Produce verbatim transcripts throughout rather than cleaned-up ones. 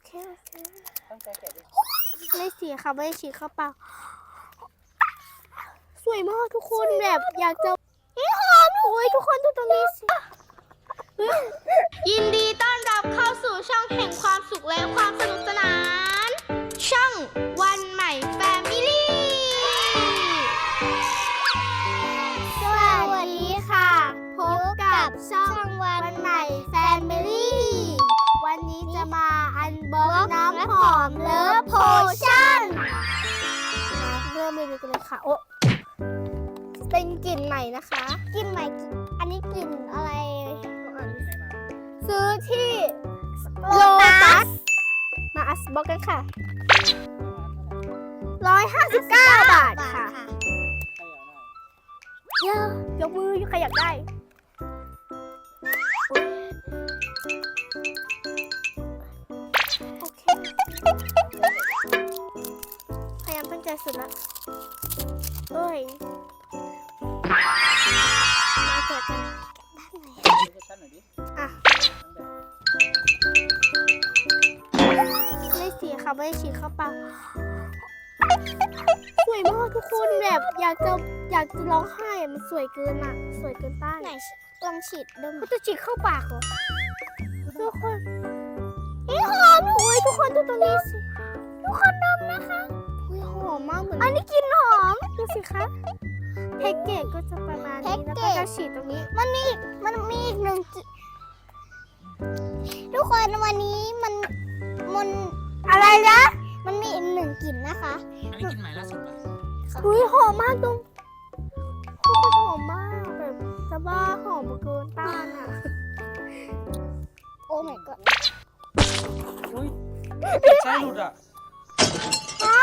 เคโอเคตั้งใจแกะดิไม่เสียค่ะไม่ฉีกเข้าเปล่าสวยมากทุกคนแบบอยากจะหอมโอ้ยทุกคนดูตรงนี้สิยินดีต้อนรับเข้าสู่ช่องแห่งความสุขและความสนุกสนานช่องวันใหม่แฟมิลี่สวัสดีค่ะพบกับช่องวันใหม่แฟมิลี่วันนี้จะมาอันบ็อกน้ำหอมเลิฟโพชั่นมาเริ่มรีวิวกันเลยค่ะโอ้เป็นกลิ่นใหม่นะคะกลิ่นใหม่อันนี้กลิ่นอะไรซื้อที่โลตัสมาอัสบ็อกกันค่ะร้อยห้าสิบเก้าบาทค่ะเยอะยกมือใครอยากได้โอเคพยายามตั้งใจสุดละเอ้ยมาแกะกันอ่ะไม่เสียค่ะไม่ฉีกเข้าเปล่าสวยมากทุกคนแบบอยากจะอยากจะร้องไห้มันสวยเกินอ่ะสวยเกินต้านไหนลองฉีดดมจะฉีดเข้าปากเหรอทุกคนนี่หอมโอ้ยทุกคนดูตรงนี้สิทุกคนดมนะคะอุ้ยหอมมากเหมือนอันนี้กลิ่นหอมดูสิคะแพ็กเกจก็จะประมาณนี้แล้วก็จะฉีดตรงนี้มันมีมันมีอีกหนึ่งทุกคนวันนี้มันมันอะไรนะมันมีอีกหนึ่งกลิ่นนะคะอันนี้กินใหม่ล่าสุดป่ะอุ้ยหอมมากตรงหอมมากแบบจะบ้าหอมเกินต้านอ่ะโอ้ my god อุ้ยใช่หลุดอ่ะฮะ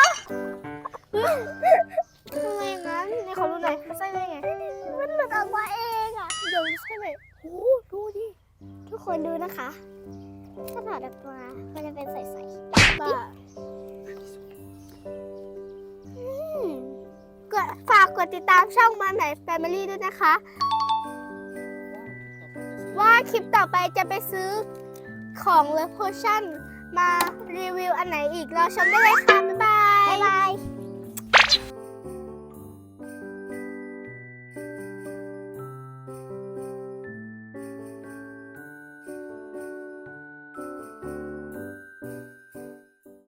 ทำไมงั้นในขอรู้หน่อยใช่ได้ไงมันหลุดออกมาเองอ่ะเดี๋ยวใช่ไหมโอ้ดูดิทุกคนดูนะคะถ้าถอดออกมามันจะเป็นใสๆบ้าก็ฝากกดติดตามช่องมาไหน Family ด้วยนะคะ ว่าคลิปต่อไปจะไปซื้อของ Love Potion มารีวิวอันไหนอีกรอชมได้เลยค่ะ บ๊ายบาย